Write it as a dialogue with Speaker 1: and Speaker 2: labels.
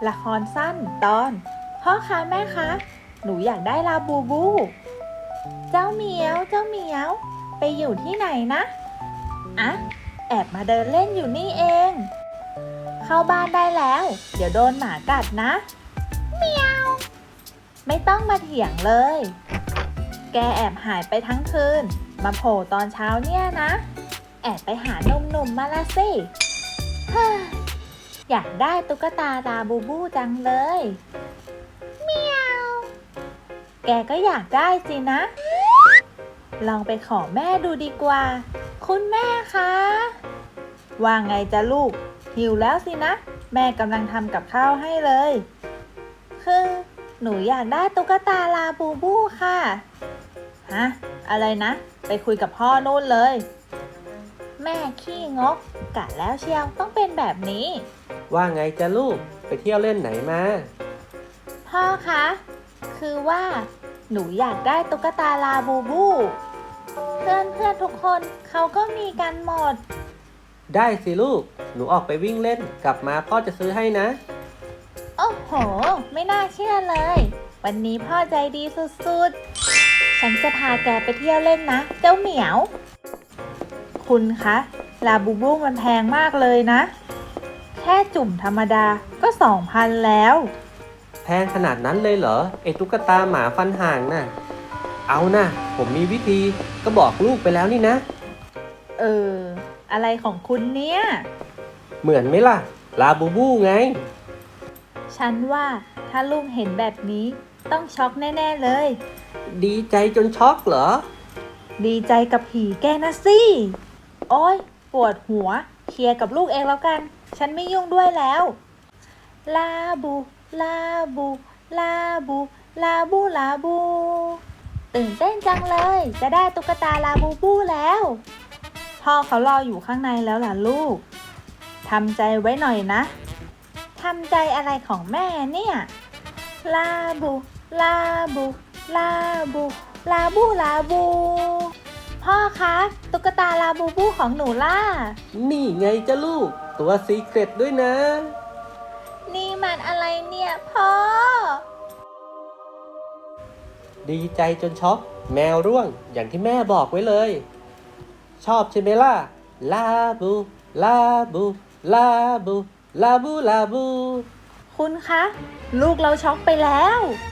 Speaker 1: ละครสั้นตอนพ่อคะแม่คะหนูอยากได้ลาบูบูเจ้าเหมียวไปอยู่ที่ไหนนะอะแอบมาเดินเล่นอยู่นี่เองเข้าบ้านได้แล้วเดี๋ยวโดนหมากัดนะเมียวไม่ต้องมาเถียงเลยแกแอบหายไปทั้งคืนมาโผล่ตอนเช้าเนี่ยนะแอบไปหาหนุ่มๆมาละสิอยากได้ตุ๊กตาลาบูบูจังเลยเมียวแกก็อยากได้สินะลองไปขอแม่ดูดีกว่าคุณแม่คะว่าไงจ๊ะลูกหิวแล้วสินะแม่กำลังทำกับข้าวให้เลยคือหนูอยากได้ตุ๊กตาลาบูบูค่ะฮะอะไรนะไปคุยกับพ่อนู่นเลยแม่ขี้งกกะแล้วเชียวต้องเป็นแบบนี้
Speaker 2: ว่าไงจ๊ะลูกไปเที่ยวเล่นไหนมา
Speaker 1: พ่อคะคือว่าหนูอยากได้ตุ๊กตาลาบูบูเพื่อนทุกคนเขาก็มีกันหมด
Speaker 2: ได้สิลูกหนูออกไปวิ่งเล่นกลับมาพ่อจะซื้อให้นะ
Speaker 1: โอ้โหไม่น่าเชื่อเลยวันนี้พ่อใจดีสุดๆฉันจะพาแกไปเที่ยวเล่นนะเจ้าเหมียวคุณคะลาบูบูมันแพงมากเลยนะแค่จุ่มธรรมดาก็ 2,000 แล้ว
Speaker 2: แพงขนาดนั้นเลยเหรอไอ้ตุ๊กตาหมาฟันห่างน่ะเอานะผมมีวิธีก็บอกลูกไปแล้วนี่นะ
Speaker 1: อะไรของคุณเนี่ย
Speaker 2: เหมือนไหมล่ะลาบูบูไง
Speaker 1: ฉันว่าถ้าลูกเห็นแบบนี้ต้องช็อกแน่ๆเลย
Speaker 2: ดีใจจนช็อกเหรอ
Speaker 1: ดีใจกับผีแกนะสิโอ๊ยปวดหัวเคลียร์กับลูกเองแล้วกันฉันไม่ยุ่งด้วยแล้วลาบูลาบูลาบูลาบูลาบูตื่นเต้นจังเลยจะได้ตุ๊กตาลาบูบูแล้วพ่อเขารออยู่ข้างในแล้วล่ะลูกทำใจไว้หน่อยนะทำใจอะไรของแม่เนี่ยลาบูลาบูลาบูลาบูลาบูพ่อคะตุ๊กตาลาบูบูของหนูล่ะ
Speaker 2: นี่ไงจ้ะลูกตัวซีเคร็ตด้วยนะ
Speaker 1: นี่มันอะไรเนี่ยพ่อ
Speaker 2: ดีใจจนช็อกแมวร่วงอย่างที่แม่บอกไว้เลยชอบใช่ไหมล่ะลาบูลาบูลาบูลาบูลาบู
Speaker 1: คุณคะลูกเราช็อกไปแล้ว